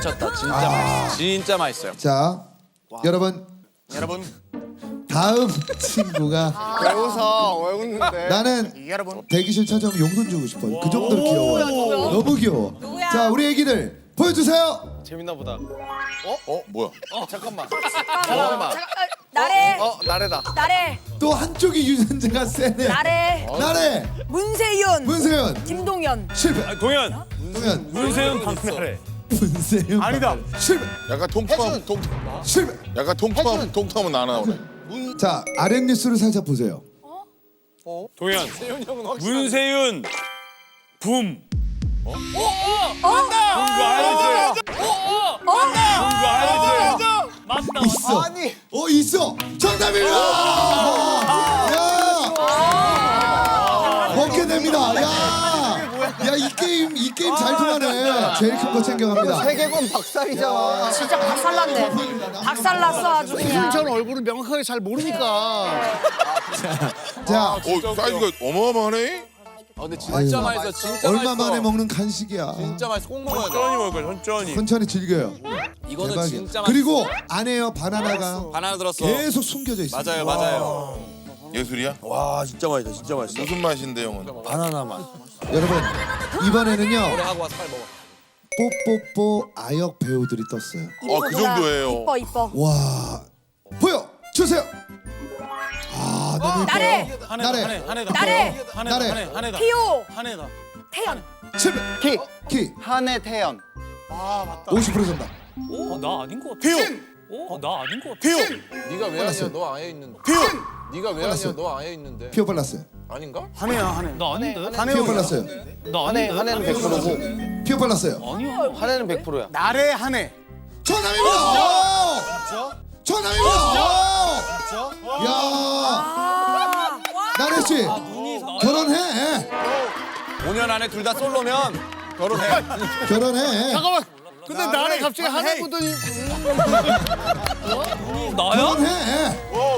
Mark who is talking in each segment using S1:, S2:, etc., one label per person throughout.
S1: 미쳤다. 진짜 맛있어. 진짜 맛있어요.
S2: 자, 여러분 다음 친구가
S3: 왜 웃어? 왜 웃는데?
S2: 나는
S3: 여러분.
S2: 대기실 찾아오면 용돈 주고 싶어. 그 정도로 귀여워. 너무 귀여워.
S4: 누구야?
S2: 자, 우리 애기들 보여주세요.
S3: 재밌나 보다.
S5: 뭐야?
S3: 잠깐만.
S4: 나래.
S3: 나래다.
S4: 나래.
S2: 또 한쪽이 유전자가 세네.
S4: 나래.
S2: 나래,
S4: 문세윤.
S2: 문세윤
S4: 김동현.
S2: 실패.
S1: 동현.
S2: 동현,
S1: 문세윤 박나래.
S2: 문세윤
S1: 아니다.
S2: 실패.
S5: 약간 통통함
S2: 실패.
S5: 약간 통통함은 안 나오네.
S2: 자, 아랫 뉴스를 살짝 보세요.
S1: 동현. 문세윤. 붐. 붐거 알지? 붐거 알지? 맞다.
S2: 있어.
S3: 아니.
S2: 있어. 정답입니다. 야, 먹게 됩니다. 야, 이 게임 잘 통하네. 제일 큰 거 챙겨갑니다.
S3: 세계관 박살이잖아.
S4: 진짜 박살났네. 박살났어 아주 그냥.
S3: 전 얼굴을 명확하게 잘 모르니까.
S2: 자,
S5: 사이즈가 어마어마하네.
S1: 근데 진짜
S2: 아이고.
S1: 맛있어. 진짜
S2: 얼마
S1: 맛있어.
S2: 만에 먹는 간식이야.
S1: 진짜 맛있어. 꼭 먹어야 돼. 천천히 먹을 거야. 천천히.
S2: 천천히 즐겨요.
S1: 이거는
S2: 대박이야.
S1: 진짜 맛있어.
S2: 그리고 안에요 바나나가
S1: 바나나 들었어.
S2: 계속 숨겨져 있어.
S1: 맞아요, 맞아요.
S5: 예술이야?
S6: 와 진짜 맛있다 진짜 맛있어.
S5: 무슨 맛인데 형은?
S6: 바나나 맛.
S2: 여러분 이번에는요
S1: 하고 와서 빨리 먹어.
S2: 뽀뽀뽀 아역 배우들이 떴어요.
S5: 그 정도예요.
S4: 이뻐 이뻐.
S2: 와, 보여 주세요. 아, 너무 예뻐요.
S4: 나래.
S2: 나래,
S4: 나래.
S2: 나래,
S4: 피오. 태연.
S2: 실패. 키
S3: 한해 태연.
S2: 50% 정답.
S1: 나 아닌 것 같아. 나 아닌 것 같아.
S7: 네가 왜
S2: 빨랐어요.
S7: 아니야? 너 아예 있는데. 네가 왜
S2: 빨랐어요.
S7: 아니야? 너 아예 있는데.
S2: 피오 빨랐어요.
S7: 아닌가?
S1: 나 아닌데?
S2: 피오 빨랐어요.
S1: 나 아닌데?
S3: 한해는 100%고.
S2: 피오 빨랐어요.
S1: 아니야.
S3: 한해는 100%야. 나래 한해.
S2: 정답입니다. 정답입니다. 야,
S4: 아.
S2: 나래 씨 결혼해.
S1: 5년 안에 둘 다 솔로면 결혼해.
S2: 결혼해.
S3: 잠깐만. 근데 나래 갑자기 한해 보더니
S1: 나야?
S2: 결혼해.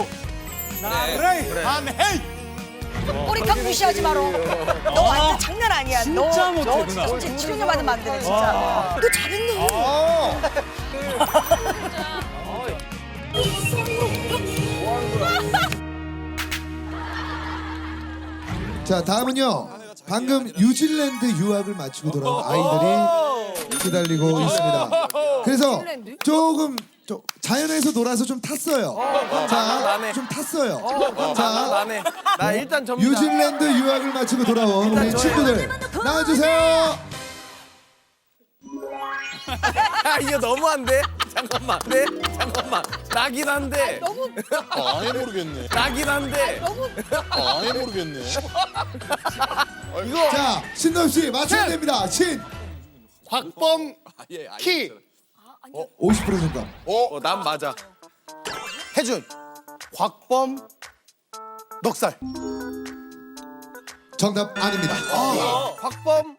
S4: 꼬리값 무시하지 마라. 너 완전 장난 아니야.
S1: 진짜
S4: 너
S1: 못해, 누나.
S4: 진짜 치료료 받으면 안 되네 진짜. 너 잘했네.
S2: 자, 다음은요. 방금 뉴질랜드 유학을 마치고 돌아온 아이들이 기다리고 있습니다. 그래서 조금 자연에서 놀아서 좀 탔어요. 자, 좀 탔어요. 자,
S3: 나 일단 전부
S2: 뉴질랜드 유학을 마치고 돌아온 우리 친구들 나와주세요.
S3: 이거 너무한데? 잠깐만. 네? 잠깐만. 나긴 한데.
S5: 아예 모르겠네.
S3: 나긴 한데.
S5: 아예 모르겠네.
S2: 자, 신동 씨 맞춰야 됩니다. 신
S3: 곽범 키.
S2: 50% 정답.
S3: 난 맞아. 혜준. 곽범 넉살.
S2: 정답 아닙니다.
S3: 곽범